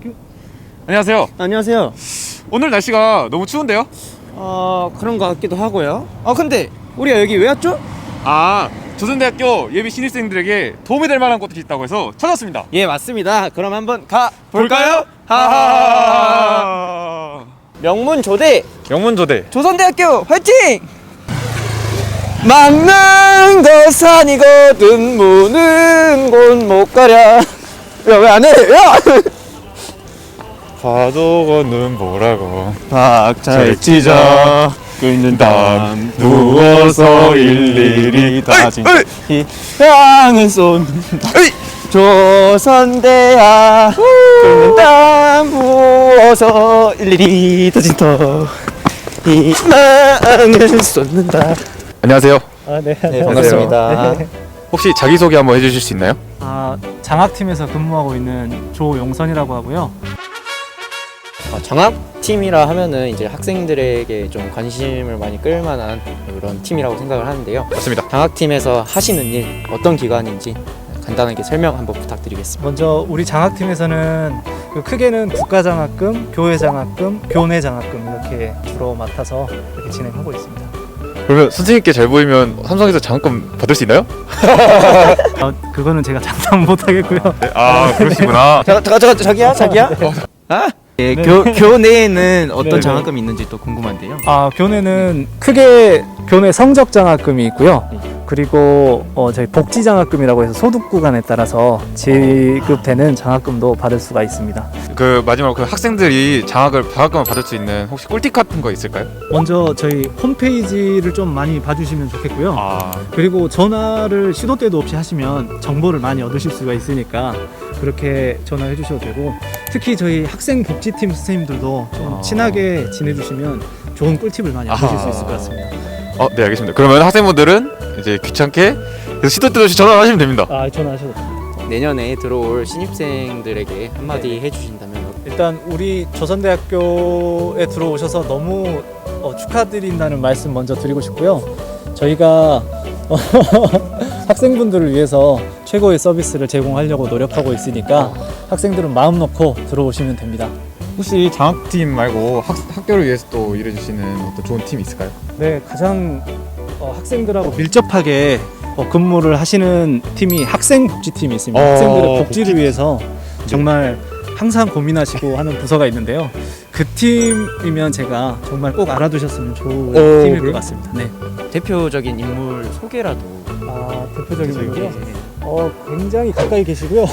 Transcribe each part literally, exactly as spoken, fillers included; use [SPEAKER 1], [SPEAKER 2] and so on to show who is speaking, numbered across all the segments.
[SPEAKER 1] 안녕하세요.
[SPEAKER 2] 안녕하세요.
[SPEAKER 1] 오늘 날씨가 너무 추운데요?
[SPEAKER 2] 어 그런 것 같기도 하고요. 어 근데 우리가 여기 왜 왔죠?
[SPEAKER 1] 아, 조선대학교 예비 신입생들에게 도움이 될 만한 곳이 있다고 해서 찾았습니다.
[SPEAKER 2] 예 맞습니다. 그럼 한번 가 볼까요?
[SPEAKER 1] 하하.
[SPEAKER 2] 명문조대
[SPEAKER 1] 영문조대.
[SPEAKER 2] 조선대학교 화이팅! 막는 거 산이거든 무는 곳 못 가랴. 야 왜 안 해? 야!
[SPEAKER 1] 파도거는 뭐라고
[SPEAKER 2] 박자를 찢어
[SPEAKER 1] 끓는
[SPEAKER 2] 땀 부어서 일일이 다진 향은 쏜다 조선대야 끓는 땀 부어서 일일이 다진 터 희망을 쏟는다.
[SPEAKER 1] 안녕하세요.
[SPEAKER 3] 아, 네.
[SPEAKER 2] 네 반갑습니다.
[SPEAKER 3] 네.
[SPEAKER 1] 혹시 자기소개 한번 해주실 수 있나요?
[SPEAKER 3] 아, 장학팀에서 근무하고 있는 조용선이라고 하고요.
[SPEAKER 2] 어, 장학팀이라 하면은 이제 학생들에게 좀 관심을 많이 끌만한 그런 팀이라고 생각을 하는데요.
[SPEAKER 1] 맞습니다.
[SPEAKER 2] 장학팀에서 하시는 일 어떤 기관인지 간단하게 설명 한번 부탁드리겠습니다.
[SPEAKER 3] 먼저 우리 장학팀에서는 그 크게는 국가장학금, 교회장학금, 교내장학금 이렇게 주로 맡아서 이렇게 진행하고 있습니다.
[SPEAKER 1] 그러면 선생님께 잘 보이면 삼성에서 장학금 받을 수 있나요?
[SPEAKER 3] 어, 그거는 제가 장담 못 하겠고요.
[SPEAKER 1] 네, 아, 그러시구나.
[SPEAKER 2] 자, 자, 자, 자기야, 자기야. 아? 네,
[SPEAKER 3] 네.
[SPEAKER 2] 교 교내에는 어떤
[SPEAKER 3] 네, 네.
[SPEAKER 2] 장학금이 있는지 또 궁금한데요.
[SPEAKER 3] 아, 교내는 크게 교내 성적 장학금이 있고요. 그리고 어, 저희 복지 장학금이라고 해서 소득 구간에 따라서 지급되는 장학금도 받을 수가 있습니다.
[SPEAKER 1] 그 마지막으로 그 학생들이 장학을 장학금을 받을 수 있는 혹시 꿀팁 같은 거 있을까요?
[SPEAKER 3] 먼저 저희 홈페이지를 좀 많이 봐주시면 좋겠고요.
[SPEAKER 1] 아,
[SPEAKER 3] 그리고 전화를 시도 때도 없이 하시면 정보를 많이 얻으실 수가 있으니까 그렇게 전화해 주셔도 되고, 특히 저희 학생복지팀 선생님들도 좀
[SPEAKER 1] 아.
[SPEAKER 3] 친하게 지내주시면 좋은 꿀팁을 많이 얻으실 수 있을 것 같습니다.
[SPEAKER 1] 어, 네, 알겠습니다. 그러면 학생분들은 이제 귀찮게 시도 때도 없이 전화하시면 됩니다.
[SPEAKER 3] 아, 전화하셔도 됩니다.
[SPEAKER 2] 내년에 들어올 신입생들에게 한마디 해주신다면
[SPEAKER 3] 일단 우리 조선대학교에 들어오셔서 너무 어, 축하드린다는 말씀 먼저 드리고 싶고요. 저희가 어, 학생분들을 위해서 최고의 서비스를 제공하려고 노력하고 있으니까 학생들은 마음 놓고 들어오시면 됩니다.
[SPEAKER 1] 혹시 장학팀 말고 학, 학교를 위해서 또 일해주시는 어떤 좋은 팀이 있을까요?
[SPEAKER 3] 네, 가장 어, 학생들하고 밀접하게 어, 근무를 하시는 팀이 학생복지팀이 있습니다.
[SPEAKER 1] 어,
[SPEAKER 3] 학생들의 복지를
[SPEAKER 1] 복지.
[SPEAKER 3] 위해서 정말 항상 고민하시고 하는 부서가 있는데요. 그 팀이면 제가 정말 꼭 알아두셨으면 좋은
[SPEAKER 1] 어,
[SPEAKER 3] 팀일
[SPEAKER 1] 그래요?
[SPEAKER 3] 것 같습니다. 네.
[SPEAKER 2] 대표적인 인물 소개라도.
[SPEAKER 3] 아, 대표적인
[SPEAKER 2] 네.
[SPEAKER 3] 분이요? 어, 굉장히 가까이 계시고요.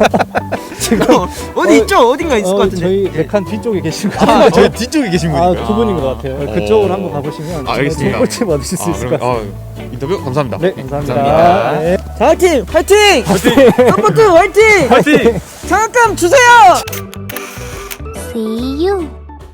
[SPEAKER 3] 지금
[SPEAKER 2] 어디
[SPEAKER 3] 어,
[SPEAKER 2] 있죠? 어딘가 있을
[SPEAKER 3] 어,
[SPEAKER 2] 것 같은데.
[SPEAKER 3] 저희
[SPEAKER 2] 네.
[SPEAKER 3] 메칸 뒤쪽에 계신 것
[SPEAKER 1] 아,
[SPEAKER 3] 같아요.
[SPEAKER 1] 저희 뒤쪽에 계신
[SPEAKER 3] 아,
[SPEAKER 1] 분인가요?
[SPEAKER 3] 두 분인 것 같아요.
[SPEAKER 1] 어.
[SPEAKER 3] 그쪽으로 한번 가보시면
[SPEAKER 1] 아,
[SPEAKER 3] 정말
[SPEAKER 1] 알겠습니다.
[SPEAKER 3] 좋은 꿀팁 얻으실 수
[SPEAKER 1] 아,
[SPEAKER 3] 있을 것
[SPEAKER 1] 그럼,
[SPEAKER 3] 같습니다.
[SPEAKER 1] 아, 인터뷰 감사합니다.
[SPEAKER 3] 네, 감사합니다.
[SPEAKER 2] 감사합니다.
[SPEAKER 3] 네.
[SPEAKER 2] 장학팀 화이팅! 서포트 화이팅!
[SPEAKER 1] 파이팅!
[SPEAKER 2] 장학금 주세요!
[SPEAKER 4] See you.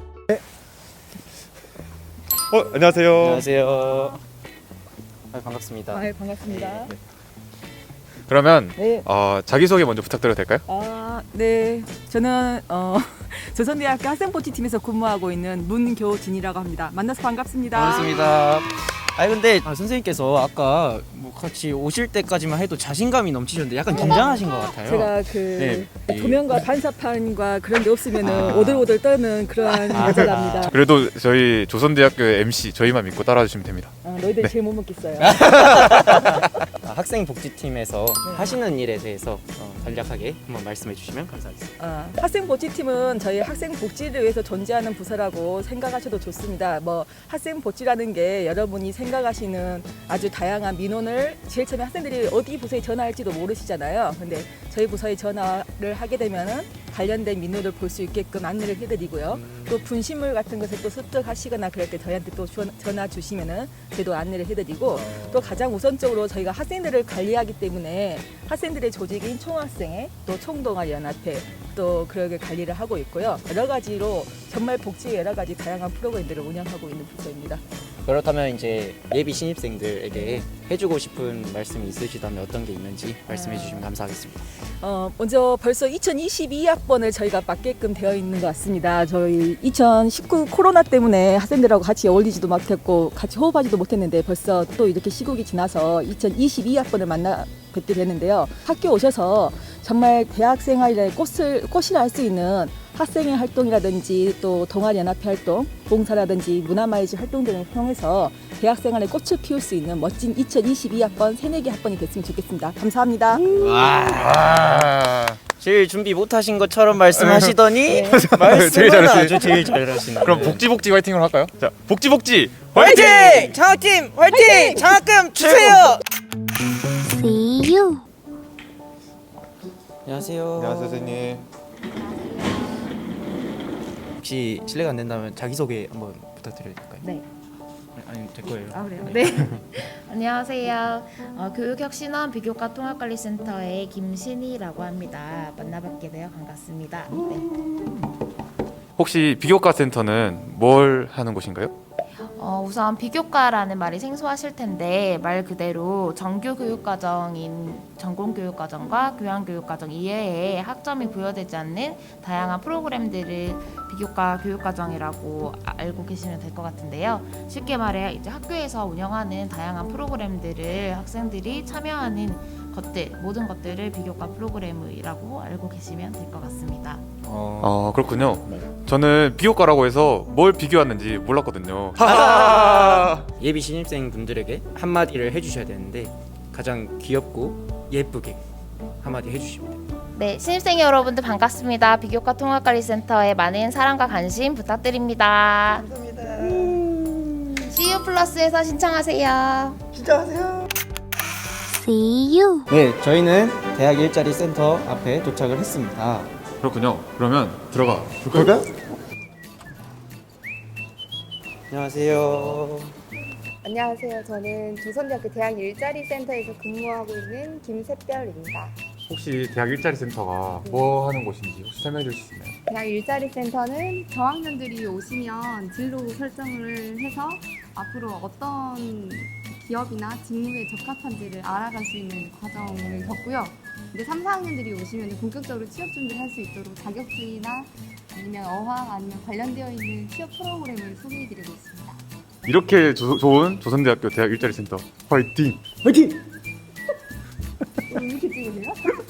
[SPEAKER 1] 어, 안녕하세요.
[SPEAKER 2] 안녕하세요. 아, 반갑습니다.
[SPEAKER 5] 아, 반갑습니다.
[SPEAKER 1] 그러면
[SPEAKER 5] 네.
[SPEAKER 1] 어, 자기소개 먼저 부탁드려도 될까요?
[SPEAKER 5] 아, 네. 저는 어, 조선대학교 학생복지팀에서 근무하고 있는 문교진이라고 합니다. 만나서 반갑습니다.
[SPEAKER 2] 반갑습니다. 아니 근데 아, 선생님께서 아까 뭐 같이 오실 때까지만 해도 자신감이 넘치셨는데 약간 긴장하신 것 같아요.
[SPEAKER 5] 제가 그
[SPEAKER 2] 네.
[SPEAKER 5] 도면과 반사판과 그런 게 없으면
[SPEAKER 2] 아.
[SPEAKER 5] 오들오들 떠는 그런 여자랍니다.
[SPEAKER 1] 그래도 저희 조선대학교 엠씨 저희만 믿고 따라주시면 됩니다.
[SPEAKER 5] 어, 너희들 제일 못 먹겠어요.
[SPEAKER 2] 아, 학생복지팀에서 하시는 일에 대해서 어, 간략하게 한번 말씀해 주시면 감사하겠습니다.
[SPEAKER 5] 어, 학생복지팀은 저희 학생복지를 위해서 존재하는 부서라고 생각하셔도 좋습니다. 뭐 학생복지라는 게 여러분이 생각하시는 아주 다양한 민원을 제일 처음에 학생들이 어디 부서에 전화할지도 모르시잖아요. 근데 저희 부서에 전화를 하게 되면은 관련된 민원을 볼 수 있게끔 안내를 해드리고요. 또 분실물 같은 것을 또 습득하시거나 그럴 때 저희한테 또 전화 주시면은 저희도 안내를 해드리고, 또 가장 우선적으로 저희가 학생들을 관리하기 때문에 학생들의 조직인 총학생회, 또 총동아리연합회, 또 그렇게 관리를 하고 있고요. 여러 가지로 정말 복지의 여러 가지 다양한 프로그램들을 운영하고 있는 부서입니다.
[SPEAKER 2] 그렇다면 이제 예비 신입생들에게 해주고 싶은 말씀이 있으시다면 어떤 게 있는지 말씀해 주시면 감사하겠습니다.
[SPEAKER 5] 어, 먼저 벌써 이천이십이 학번을 저희가 맡게끔 되어 있는 것 같습니다. 저희 이천십구 코로나 때문에 학생들하고 같이 어울리지도 못했고 같이 호흡하지도 못했는데 벌써 또 이렇게 시국이 지나서 이천이십이 학번을 만나 뵙게 되는데요. 학교 오셔서 정말 대학 생활의 꽃을, 꽃이라 할 수 있는 학생회 활동이라든지 또 동아리 연합회 활동, 봉사라든지 문화마이즈 활동 등을 통해서 대학생활에 꽃을 피울 수 있는 멋진 이천이십이 학번 새내기 학번이 됐으면 좋겠습니다. 감사합니다.
[SPEAKER 1] 와.
[SPEAKER 2] 제일 준비 못하신 것처럼 말씀하시더니
[SPEAKER 5] 네.
[SPEAKER 2] 말씀은
[SPEAKER 1] 제일 잘하시-
[SPEAKER 2] 아주 제일 잘하시는.
[SPEAKER 1] 그럼 복지 복지 화이팅으로 할까요? 자, 복지 복지
[SPEAKER 2] 화이팅! 장학팀 화이팅! 장학금 주세요.
[SPEAKER 4] See you.
[SPEAKER 2] 안녕하세요.
[SPEAKER 1] 안녕하세요, 선생님.
[SPEAKER 2] 혹시 실례가 안 된다면 자기 소개 한번 부탁드려도 될까요?
[SPEAKER 6] 네.
[SPEAKER 2] 아니 될 거예요.
[SPEAKER 6] 아 그래요? 네. 안녕하세요. 어, 교육혁신원 비교과 통합관리센터의 김신희라고 합니다. 만나뵙게 되어 반갑습니다. 네.
[SPEAKER 1] 혹시 비교과 센터는 뭘 하는 곳인가요?
[SPEAKER 6] 어, 우선 비교과라는 말이 생소하실 텐데 말 그대로 정규 교육과정인 전공교육과정과 교양교육과정 이외에 학점이 부여되지 않는 다양한 프로그램들을 비교과 교육과정이라고 알고 계시면 될 것 같은데요. 쉽게 말해 이제 학교에서 운영하는 다양한 프로그램들을 학생들이 참여하는 것들, 모든 것들을 비교과 프로그램이라고 알고 계시면 될 것 같습니다.
[SPEAKER 1] 아, 그렇군요. 저는 비교과라고 해서 뭘 비교하는지 몰랐거든요.
[SPEAKER 2] 예비 신입생 분들에게 한마디를 해주셔야 되는데 가장 귀엽고 예쁘게 한마디 해주시면 돼요.
[SPEAKER 6] 네, 신입생 여러분들 반갑습니다. 비교과 통합관리센터에 많은 사랑과 관심 부탁드립니다. 감사합니다. 씨유 플러스에서 신청하세요.
[SPEAKER 4] See you.
[SPEAKER 2] 네, 저희는 대학 일자리 센터 앞에 도착을 했습니다.
[SPEAKER 1] 그렇군요. 그러면 들어가 볼까요?
[SPEAKER 2] 안녕하세요.
[SPEAKER 7] 안녕하세요. 저는 조선대학교 대학 일자리 센터에서 근무하고 있는 김샛별입니다.
[SPEAKER 1] 혹시 대학 일자리 센터가 뭐 하는 곳인지 혹시 설명해 주실 수 있나요?
[SPEAKER 7] 대학 일자리 센터는 저학년들이 오시면 진로 설정을 해서 앞으로 어떤 기업이나 직무에 적합한지를 알아갈 수 있는 과정을 겪고요. 이제 삼, 사 학년들이 오시면 본격적으로 취업 준비를 할 수 있도록 자격증이나 아니면 어학 아니면 관련되어 있는 취업 프로그램을 소개해드리고 있습니다.
[SPEAKER 1] 이렇게 조, 좋은 조선대학교 대학 일자리 센터 화이팅!
[SPEAKER 2] 화이팅!
[SPEAKER 7] 이렇게 찍으세요?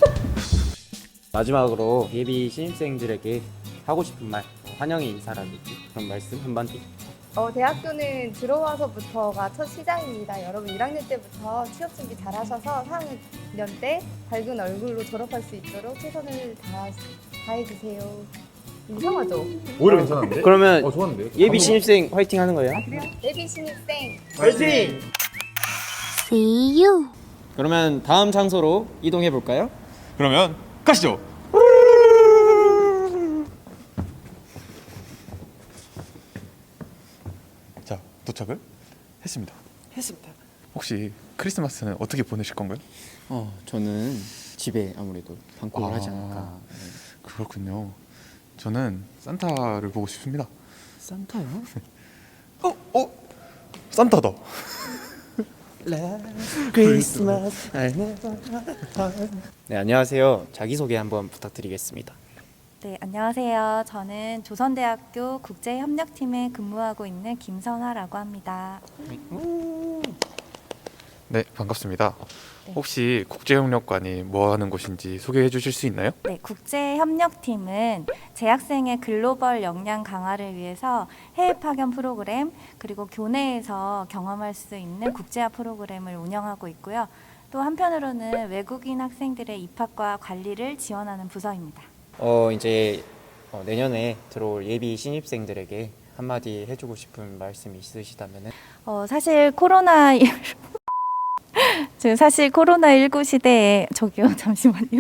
[SPEAKER 2] 마지막으로 예비 신입생들에게 하고 싶은 말, 환영의 인사라든지 그런 말씀 한마디.
[SPEAKER 7] 어, 대학교는 들어와서부터가 첫 시작입니다. 여러분 일 학년 때부터 취업 준비 잘 하셔서 사 학년 때 밝은 얼굴로 졸업할 수 있도록 최선을 다, 다해주세요. 이상하죠?
[SPEAKER 1] 오히려 괜찮은데?
[SPEAKER 2] 그러면
[SPEAKER 1] 어, 좋았는데요?
[SPEAKER 2] 예비 신입생 화이팅 하는 거예요?
[SPEAKER 7] 그래요? 예비 신입생
[SPEAKER 2] 화이팅!
[SPEAKER 4] See you.
[SPEAKER 2] 그러면 다음 장소로 이동해 볼까요?
[SPEAKER 1] 그러면 가시죠! 자, 도착을 했습니다.
[SPEAKER 2] 했습니다.
[SPEAKER 1] 혹시 크리스마스는 어떻게 보내실 건가요?
[SPEAKER 2] 어, 저는 집에 아무래도 방콕을
[SPEAKER 1] 아.
[SPEAKER 2] 하지 않을까.
[SPEAKER 1] 그렇군요. 저는 산타를 보고 싶습니다.
[SPEAKER 2] 산타요?
[SPEAKER 1] 어? 어? 산타다.
[SPEAKER 2] 크리스마스. 네, 안녕하세요. 자기소개 한번 부탁드리겠습니다.
[SPEAKER 8] 네, 안녕하세요. 저는 조선대학교 국제협력팀에 근무하고 있는 김선화라고 합니다.
[SPEAKER 1] 네, 반갑습니다.
[SPEAKER 8] 네.
[SPEAKER 1] 혹시 국제협력관이 뭐 하는 곳인지 소개해 주실 수 있나요?
[SPEAKER 8] 네, 국제협력팀은 재학생의 글로벌 역량 강화를 위해서 해외 파견 프로그램 그리고 교내에서 경험할 수 있는 국제화 프로그램을 운영하고 있고요. 또 한편으로는 외국인 학생들의 입학과 관리를 지원하는 부서입니다.
[SPEAKER 2] 어, 이제 어, 내년에 들어올 예비 신입생들에게 한마디 해주고 싶은 말씀이 있으시다면은.
[SPEAKER 8] 어, 사실 코로나 지금 사실 코로나십구 시대에 저기요 잠시만요.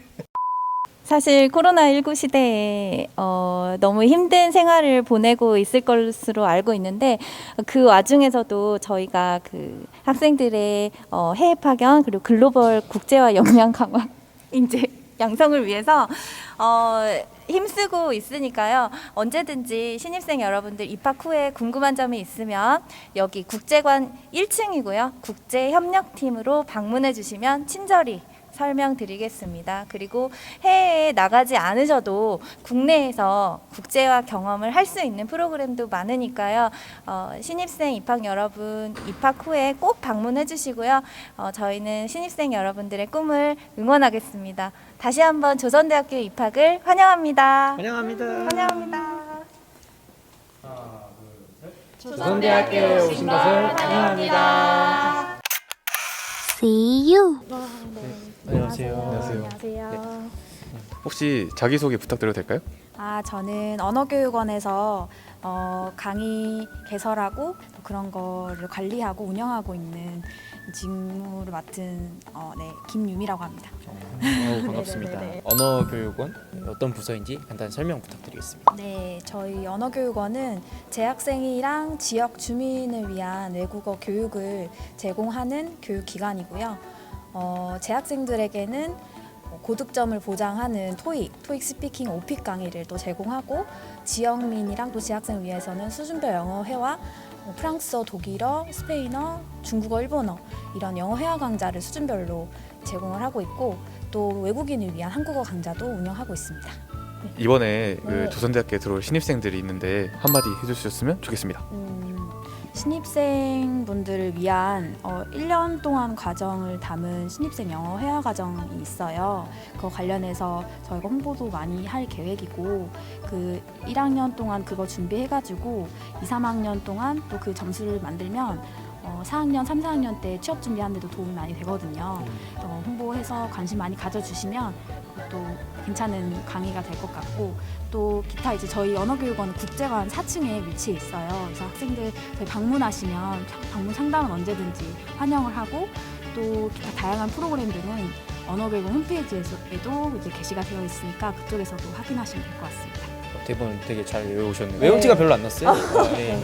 [SPEAKER 8] 사실 코로나십구 시대에 어, 너무 힘든 생활을 보내고 있을 것으로 알고 있는데 그 와중에서도 저희가 그 학생들의 어, 해외 파견 그리고 글로벌 국제화 역량 강화 이제 양성을 위해서 어, 힘쓰고 있으니까요. 언제든지 신입생 여러분들 입학 후에 궁금한 점이 있으면 여기 국제관 일 층이고요. 국제협력팀으로 방문해 주시면 친절히 설명드리겠습니다. 그리고 해외에 나가지 않으셔도 국내에서 국제화 경험을 할 수 있는 프로그램도 많으니까요. 어, 신입생 입학 여러분 입학 후에 꼭 방문해 주시고요. 어, 저희는 신입생 여러분들의 꿈을 응원하겠습니다. 다시 한번 조선대학교 입학을 환영합니다.
[SPEAKER 2] 환영합니다.
[SPEAKER 8] 환영합니다.
[SPEAKER 2] 조선대학교에 오신 것을 환영합니다.
[SPEAKER 4] See you.
[SPEAKER 3] 안녕하세요.
[SPEAKER 8] 안녕하세요.
[SPEAKER 1] 혹시 자기소개 부탁드려도 될까요?
[SPEAKER 9] 아, 저는 언어교육원에서 어, 강의 개설하고 또 그런 거를 관리하고 운영하고 있는 직무를 맡은 어, 네, 김유미라고 합니다.
[SPEAKER 2] 어, 반갑습니다.
[SPEAKER 9] 네네네.
[SPEAKER 2] 언어교육원 어떤 부서인지 간단히 설명 부탁드리겠습니다.
[SPEAKER 9] 네, 저희 언어교육원은 재학생이랑 지역 주민을 위한 외국어 교육을 제공하는 교육기관이고요. 어, 재학생들에게는 고득점을 보장하는 토익, 토익 스피킹 오픽 강의를 또 제공하고 지역민이랑 또 재학생을 위해서는 수준별 영어 회화, 뭐 프랑스어, 독일어, 스페인어, 중국어, 일본어 이런 영어 회화 강좌를 수준별로 제공을 하고 있고 또 외국인을 위한 한국어 강좌도 운영하고 있습니다.
[SPEAKER 1] 이번에 그
[SPEAKER 9] 네.
[SPEAKER 1] 조선대학교에 들어올 신입생들이 있는데 한마디 해주셨으면 좋겠습니다.
[SPEAKER 9] 음, 신입생분들을 위한 어, 일 년 동안 과정을 담은 신입생 영어 회화 과정이 있어요. 그거 관련해서 저희가 홍보도 많이 할 계획이고 그 일 학년 동안 그거 준비해가지고 이, 삼 학년 동안 또 그 점수를 만들면 어, 사 학년, 삼, 사 학년 때 취업 준비하는 데도 도움이 많이 되거든요. 어, 홍보해서 관심 많이 가져주시면 또 괜찮은 강의가 될 것 같고 또 기타 이제 저희 언어교육원은 국제관 사 층에 위치해 있어요. 그래서 학생들 저희 방문하시면 방문 상담은 언제든지 환영을 하고 또 기타 다양한 프로그램들은 언어교육원 홈페이지에도 이제 게시가 되어 있으니까 그쪽에서도 확인하시면 될 것 같습니다.
[SPEAKER 2] 대본 되게 잘 외우셨네요.
[SPEAKER 9] 네.
[SPEAKER 2] 외운 지가 별로 안 났어요. 아, 네.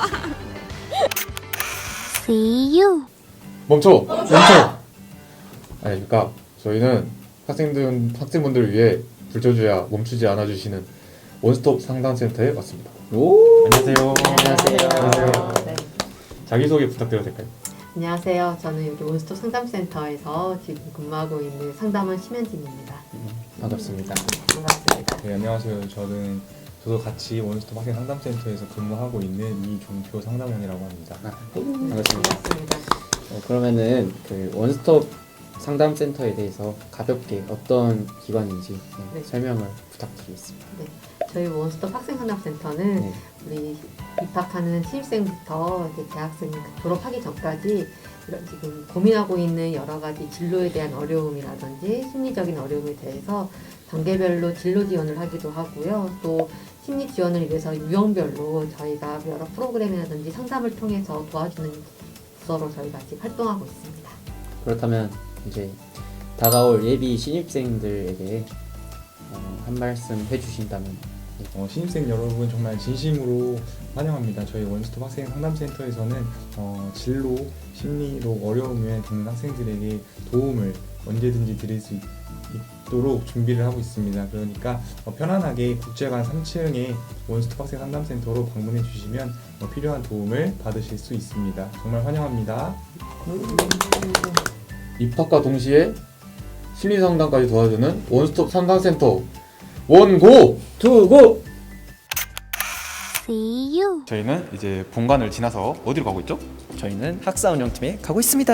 [SPEAKER 4] See you.
[SPEAKER 1] 멈춰! 멈춰! 아니 그러니까 저희는 학생들, 학생분들을 위해 불쳐줘야 멈추지 않아주시는 원스톱 상담센터에 왔습니다.
[SPEAKER 2] 오.
[SPEAKER 1] 안녕하세요.
[SPEAKER 2] 안녕하세요.
[SPEAKER 10] 네.
[SPEAKER 1] 자기소개 부탁드려도 될까요?
[SPEAKER 10] 안녕하세요. 저는 여기 원스톱 상담센터에서 지금 근무하고 있는 상담원 심현진입니다.
[SPEAKER 2] 반갑습니다.
[SPEAKER 10] 반갑습니다.
[SPEAKER 11] 네, 안녕하세요. 저는 저도 같이 원스톱 학생 상담센터에서 근무하고 있는 이종표 상담원이라고 합니다.
[SPEAKER 2] 반갑습니다.
[SPEAKER 10] 반갑습니다.
[SPEAKER 2] 어, 그러면은 그 원스톱 상담센터에 대해서 가볍게 어떤 기관인지 네,
[SPEAKER 10] 네.
[SPEAKER 2] 설명을 부탁드리겠습니다.
[SPEAKER 10] 저희 원스톱 학생 상담센터는
[SPEAKER 2] 네.
[SPEAKER 10] 우리 입학하는 신입생부터 이제 대학생 졸업하기 전까지 이런 지금 고민하고 있는 여러 가지 진로에 대한 어려움이라든지 심리적인 어려움에 대해서 단계별로 진로 지원을 하기도 하고요. 또 심리 지원을 위해서 유형별로 저희가 여러 프로그램이라든지 상담을 통해서 도와주는 부서로 저희가 지금 활동하고 있습니다.
[SPEAKER 2] 그렇다면 이제 다가올 예비 신입생들에게 어, 한 말씀 해주신다면.
[SPEAKER 11] 어, 신입생 여러분 정말 진심으로 환영합니다. 저희 원스톱 학생 상담센터에서는 어, 진로, 심리로 어려움에 겪는 학생들에게 도움을 언제든지 드릴 수 있, 있도록 준비를 하고 있습니다. 그러니까 어, 편안하게 국제관 삼 층에 원스톱 학생 상담센터로 방문해 주시면 어, 필요한 도움을 받으실 수 있습니다. 정말 환영합니다.
[SPEAKER 1] 입학과 동시에 심리상담까지 도와주는 원스톱 상담센터 원고!
[SPEAKER 2] 투고!
[SPEAKER 4] See you.
[SPEAKER 1] 저희는 이제 본관을 지나서 어디로 가고 있죠?
[SPEAKER 2] 저희는 학사 운영팀에 가고 있습니다.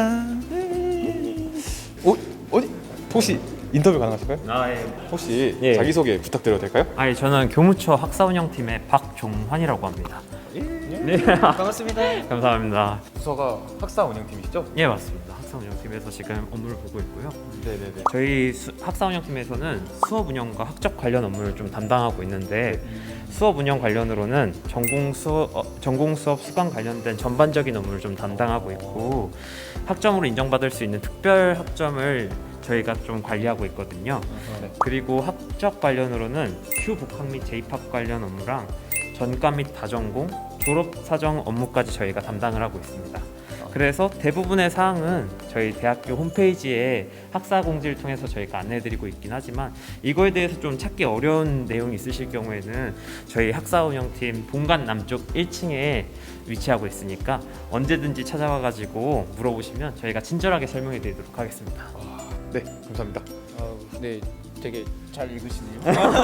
[SPEAKER 1] 어? 어디? 혹시 인터뷰 가능하실까요?
[SPEAKER 12] 아, 예.
[SPEAKER 1] 혹시
[SPEAKER 12] 예.
[SPEAKER 1] 자기소개 부탁드려도 될까요?
[SPEAKER 12] 아니, 저는 교무처 학사운영팀의 박종환이라고 합니다. 네.
[SPEAKER 2] 반갑습니다.
[SPEAKER 12] 감사합니다.
[SPEAKER 1] 부서가 학사 운영팀이시죠?
[SPEAKER 12] 예, 맞습니다. 학사운영팀에서 지금 업무를 보고 있고요.
[SPEAKER 1] 네네네.
[SPEAKER 12] 저희 수, 학사운영팀에서는 수업 운영과 학적 관련 업무를 좀 담당하고 있는데 수업 운영 관련으로는 전공 수업, 어, 전공 수업 수강 관련된 전반적인 업무를 좀 담당하고 있고 학점으로 인정받을 수 있는 특별 학점을 저희가 좀 관리하고 있거든요.
[SPEAKER 1] 네.
[SPEAKER 12] 그리고 학적 관련으로는 Q 복학 및 재입학 관련 업무랑 전과 및 다전공, 졸업 사정 업무까지 저희가 담당을 하고 있습니다. 그래서 대부분의 사항은 저희 대학교 홈페이지에 학사 공지를 통해서 저희가 안내해드리고 있긴 하지만 이거에 대해서 좀 찾기 어려운 내용이 있으실 경우에는 저희 학사 운영팀 본관 남쪽 일 층에 위치하고 있으니까 언제든지 찾아와가지고 물어보시면 저희가 친절하게 설명해드리도록 하겠습니다.
[SPEAKER 1] 네, 감사합니다.
[SPEAKER 2] 어, 네, 되게 잘 읽으시네요.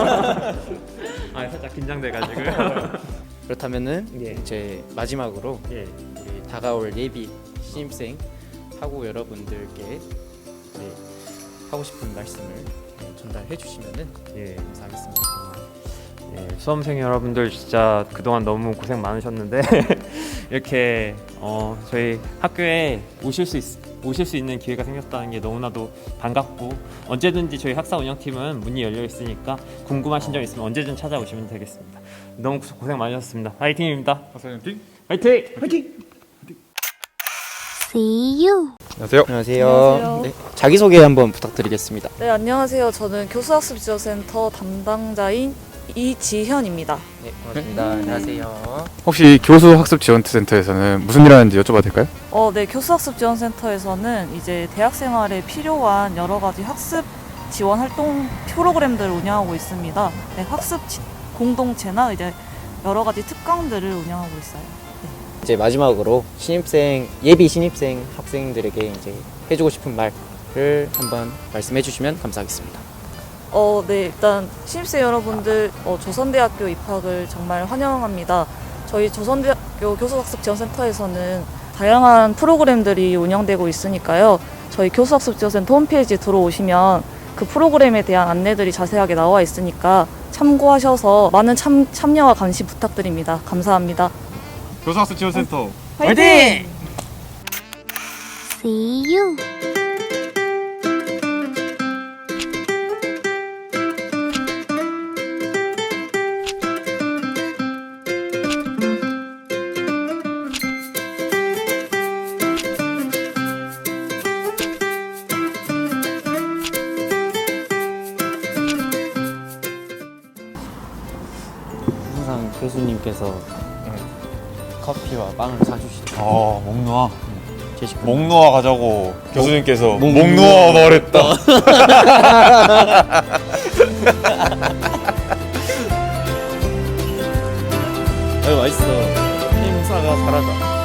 [SPEAKER 12] 아, 살짝 긴장돼가지고.
[SPEAKER 2] 그렇다면은
[SPEAKER 12] 예.
[SPEAKER 2] 이제 마지막으로
[SPEAKER 12] 예.
[SPEAKER 2] 우리 다가올 예비 신입생 학우 여러분들께 네, 하고 싶은 말씀을 전달해 주시면은
[SPEAKER 12] 예.
[SPEAKER 2] 감사하겠습니다.
[SPEAKER 12] 예, 수험생 여러분들 진짜 그동안 너무 고생 많으셨는데 이렇게 어, 저희 학교에 오실 수 있, 오실 수 있는 기회가 생겼다는 게 너무나도 반갑고 언제든지 저희 학사 운영팀은 문이 열려 있으니까 궁금하신 점 있으면 언제든 찾아오시면 되겠습니다. 너무 고생 많으셨습니다. 화이팅입니다.
[SPEAKER 1] 학사 운영팀
[SPEAKER 12] 화이팅! 화이팅!
[SPEAKER 4] See you.
[SPEAKER 1] 안녕하세요.
[SPEAKER 2] 안녕하세요.
[SPEAKER 13] 안녕하세요.
[SPEAKER 2] 네, 자기 소개 한번 부탁드리겠습니다.
[SPEAKER 13] 네, 안녕하세요. 저는 교수학습지원센터 담당자인 이지현입니다.
[SPEAKER 2] 네, 반갑습니다. 안녕하세요.
[SPEAKER 1] 혹시 교수 학습 지원센터에서는 무슨 일 하는지 여쭤봐도 될까요?
[SPEAKER 13] 어, 네, 교수학습지원센터에서는 이제 대학 생활에 필요한 여러 가지 학습 지원 활동 프로그램들을 운영하고 있습니다. 네, 학습 지- 공동체나 이제 여러 가지 특강들을 운영하고 있어요.
[SPEAKER 2] 이제 마지막으로 신입생 예비 신입생 학생들에게 이제 해주고 싶은 말을 한번 말씀해 주시면 감사하겠습니다.
[SPEAKER 13] 어, 네, 일단 신입생 여러분들 어, 조선대학교 입학을 정말 환영합니다. 저희 조선대학교 교수학습지원센터에서는 다양한 프로그램들이 운영되고 있으니까요. 저희 교수학습지원센터 홈페이지 들어오시면 그 프로그램에 대한 안내들이 자세하게 나와 있으니까 참고하셔서 많은 참, 참여와 감시 부탁드립니다. 감사합니다.
[SPEAKER 1] 교수 학습 지원센터
[SPEAKER 13] 화이팅!
[SPEAKER 4] See you.
[SPEAKER 2] 항상 교수님께서 커피와 빵을 사주시죠.
[SPEAKER 1] 아, 목 놓아.
[SPEAKER 2] 제 식구.
[SPEAKER 1] 목 놓아 가자고 교수님께서
[SPEAKER 2] 목
[SPEAKER 1] 목 놓아 말했다.
[SPEAKER 2] 아유 맛있어. 힘사가 살아다.